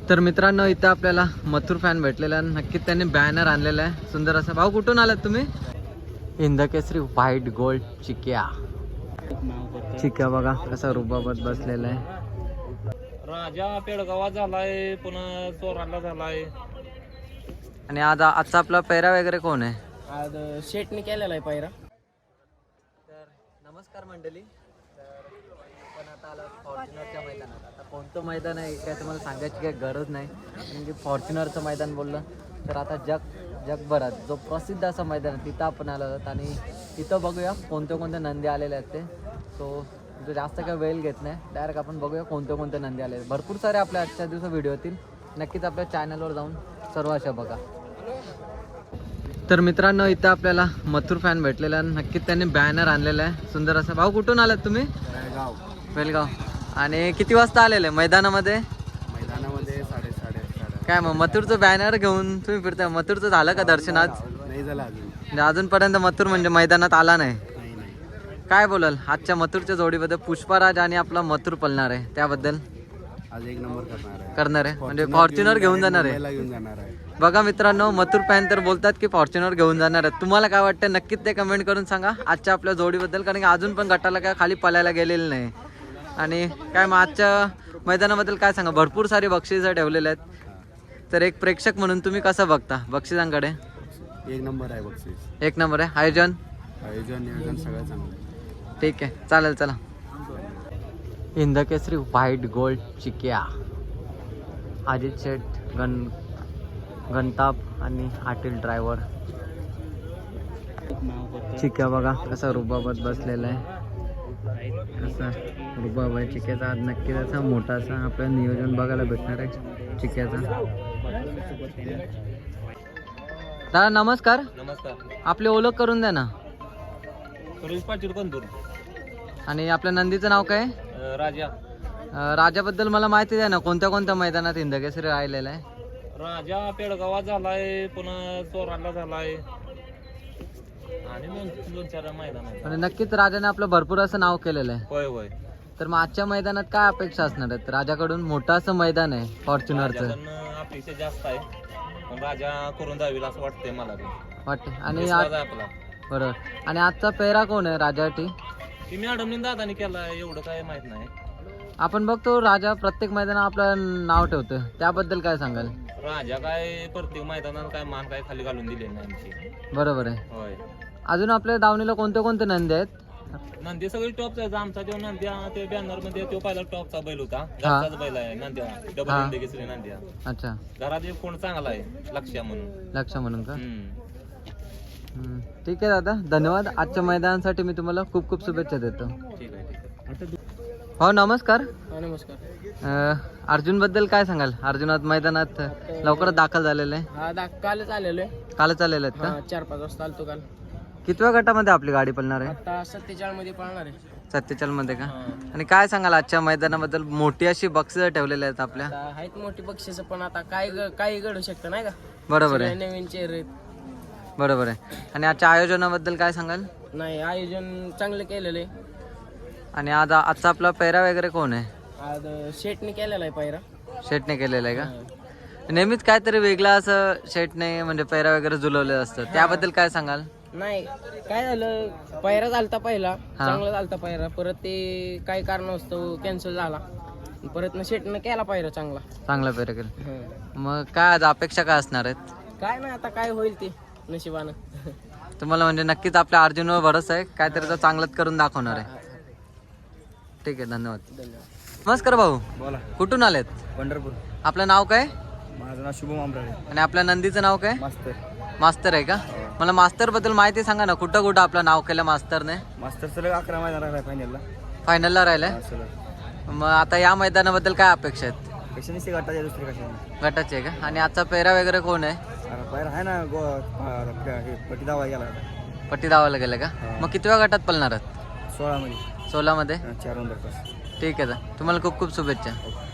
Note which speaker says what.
Speaker 1: तर मित्रांनो इथं आपल्याला मथुर फॅन भेटलेला आहे. नक्कीच त्यांनी बॅनर आणलेला आहे सुंदर असा. भाऊ कुठून आलात तुम्ही? इंदकेसरी व्हाईट गोल्ड चिक्या. चिक्या बघा कसा रुबाबत बसलेला आहे.
Speaker 2: राजा पेडगावात झालाय, पुन्हा चोराला झालाय.
Speaker 1: आणि आजचा आपला पैरा वगैरे कोण आहे?
Speaker 3: आज शेटने केलेला आहे पायरा.
Speaker 1: तर नमस्कार मंडळी. तर आपण आता आलो फॉर्च्युनरच्या मैदानात. आता कोणतं मैदान आहे काय तुम्हाला सांगायची काही गरज नाही, कारण की फॉर्च्युनरचं मैदान बोललं तर आता जगभरात जो प्रसिद्ध असं मैदान आहे तिथं आपण आलो आहोत. आणि तिथं बघूया कोणते नंदी आलेले आहेत ते. सो जास्त काही वेळ घेत नाही, डायरेक्ट आपण बघूया कोणते नंदी आले. भरपूर सारे आपल्या आजच्या दिवसा व्हिडिओ येतील. नक्कीच आपल्या चॅनलवर जाऊन सर्व अशा बघा. तर मित्रांनो इथं आपल्याला मथुर फॅन भेटलेला आहे. नक्कीच त्यांनी बॅनर आणलेला आहे सुंदर असा. भाऊ कुठून आलात तुम्ही? बेलगाव. आणि किती वाजता आलेले मैदानामध्ये?
Speaker 3: 8:30.
Speaker 1: काय मग मथुरचं बॅनर घेऊन तुम्ही फिरताय? मथुरचं झालं का दर्शन आज?
Speaker 3: नाही झाला
Speaker 1: म्हणजे अजूनपर्यंत मथुर म्हणजे मैदानात आला नाही. काय बोलाल आजच्या मथुरच्या जोडीबद्दल? पुष्पाराज आणि आपला मथुर पळणार आहे त्याबद्दल?
Speaker 3: आज एक नंबर
Speaker 1: करणार आहे म्हणजे फॉर्च्युनर घेऊन जाणार आहे. बघा मित्रांनो मथुर फॅन तर बोलतात की फॉर्च्युनर घेऊन जाणार आहे. तुम्हाला काय वाटतं नक्कीच ते कमेंट करून सांगा आजच्या आपल्या जोडीबद्दल, कारण की अजून पण गटाला काय खाली पळायला गेलेलं नाही. आणि काय मग आजच्या मैदानाबद्दल काय सांगा? भरपूर सारी बक्षिसं ठेवलेले आहेत. तर एक प्रेक्षक म्हणून तुम्ही कसं बघता बक्षिसांकडे?
Speaker 3: एक नंबर आहे बक्षीस.
Speaker 1: एक नंबर आहे. आयोजन
Speaker 3: नियोजन सगळं चांगलं.
Speaker 1: ठीक आहे चालेल. चला इंदकेसरी व्हाईट गोल्ड चिक्या. अजित शेठ गणताप आणि आटील ड्रायव्हर. चिक्या बघा कसा रुबाबत बसलेला आहे. कसा रुबाब आहे चिक्याचा. आज नक्कीच असा मोठा असा आपल्याला नियोजन बघायला भेटणार आहे चिक्याचा. दादा नमस्कार.
Speaker 2: नमस्कार.
Speaker 1: आपली ओळख करून द्या ना.
Speaker 2: सुरेश पाटील कंदूर.
Speaker 1: आणि आपल्या नंदीचं नाव काय?
Speaker 2: राजा.
Speaker 1: राजाबद्दल मला माहिती द्या ना, कोणत्या मैदानात इंदकेसरी राहिलेला आहे?
Speaker 2: राजा पेडगावात झालाय, पुन्हा चोराला झालाय आणि दोन चार मैदान आहे.
Speaker 1: आणि नक्कीच राजाने आपलं भरपूर असं नाव केलेलं आहे.
Speaker 2: होय होय.
Speaker 1: तर मग आजच्या मैदानात काय अपेक्षा असणार आहेत? राजाकडून मोठं असं मैदान आहे फॉर्च्युनरचं.
Speaker 2: राजाकडनं अपेक्षा जास्त आहे, पण राजा करून जाईल असं वाटतंय मला
Speaker 1: वाटते. आणि
Speaker 2: विश्वास आहे आपला.
Speaker 1: बरोबर. आणि आजचा पेहरा कोण आहे राजासाठी?
Speaker 2: ती मॅडमने दादाने केला एवढं काय माहित नाही.
Speaker 1: आपण बघतो राजा प्रत्येक मैदानात आपलं नाव ठेवतो, त्याबद्दल काय सांगाल?
Speaker 2: राजा काय प्रत्येक मैदानात काय मान काय खाली घालून दिले नाही आमची.
Speaker 1: बरोबर आहे.
Speaker 2: होय.
Speaker 1: अजून आपल्या दावणीला कोणते नंदी आहेत?
Speaker 2: नंदी सगळी टॉपचा आहे. आमचा तो नंद्या ते बॅनर मध्ये तो पहिला टॉपचा बैल होता. घरचाच बैल आहे नंद्या. डबल इंदकेसरी नंद्या.
Speaker 1: अच्छा.
Speaker 2: घरात एक कोण चांगला आहे लक्ष्या म्हणून.
Speaker 1: लक्ष म्हणून का? ठीक आहे दादा, धन्यवाद. आजच्या मैदानासाठी मी तुम्हाला खूप शुभेच्छा देतो.
Speaker 2: ठीक आहे.
Speaker 1: हो नमस्कार.
Speaker 3: नमस्कार.
Speaker 1: अर्जुन बद्दल काय सांगाल? अर्जुनात मैदानात लवकरच दाखल झालेलं आहे.
Speaker 3: हा कालच आलेलो आहे.
Speaker 1: कालच आलेले आहेत का?
Speaker 3: 4-5 वाजता आलतो काल.
Speaker 1: कितव्या गटामध्ये आपली गाडी पळणार आहे?
Speaker 3: आता 47 मध्ये पळणार आहे.
Speaker 1: 47 मध्ये का? आणि काय सांगाल आजच्या मैदानाबद्दल? मोठी अशी बक्षिसं ठेवलेली आहेत आपल्या.
Speaker 3: आता आहेत मोठी बक्षीस, पण आता काही घडू शकतं नाही का?
Speaker 1: बरोबर आहे.
Speaker 3: नवीन चेहरे.
Speaker 1: बरोबर आहे. आणि आजच्या आयोजनाबद्दल काय सांगाल?
Speaker 3: नाही, आयोजन चांगलं केलेलं आहे.
Speaker 1: आणि आजचा आपला पैरा वगैरे कोण आहे?
Speaker 3: आज शेटने केलेला आहे पायरा.
Speaker 1: शेटने केलेला आहे का? नेहमीच काहीतरी वेगळं असं शेटने म्हणजे पैरा वगैरे जुलवलेलं असतं, त्याबद्दल काय सांगाल?
Speaker 3: नाही, काय झालं, पायरा झालता पहिला, चांगला झालता पायरा, परत ते काही कारणास्तव कॅन्सल झाला, परत शेटने केला पायरा चांगला
Speaker 1: पैरा केला. मग काय आज अपेक्षा काय असणार आहेत?
Speaker 3: काय नाही, आता काय होईल ते नशिबानं.
Speaker 1: तुम्हाला म्हणजे नक्कीच आपल्या अर्जुनवर भरोसा आहे, काहीतरी तर चांगलंच करून दाखवणार आहे. ठीक आहे, धन्यवाद. नमस्कार भाऊ.
Speaker 3: बोला.
Speaker 1: कुठून आलेत?
Speaker 3: पंढरपूर.
Speaker 1: आपलं नाव काय?
Speaker 3: माझं नाव शुभम आंबराळे.
Speaker 1: आणि आपल्या नंदीचं नाव काय? मास्तर आहे का? मला मास्तर बद्दल माहिती सांगा ना, कुठं आपलं नाव केलं मास्तरने?
Speaker 3: मास्तर सलग 11 मैदान राहिला
Speaker 1: फायनलला राहिलाय. मग आता या मैदानाबद्दल काय अपेक्षा आहेत?
Speaker 3: गटाच्या दुसरी कशाने
Speaker 1: गटाचे आहे का? आणि आजचा पेहरा वगैरे कोण आहे?
Speaker 3: पायरा आहे ना, पट्टी दावा गेला.
Speaker 1: पट्टी दावायला गेलं का? मग कितव्या गटात पळणार आहात?
Speaker 3: 16 मध्ये.
Speaker 1: 16 मध्ये.
Speaker 3: 4 नंबर.
Speaker 1: ठीक आहे, तुम्हाला खूप शुभेच्छा.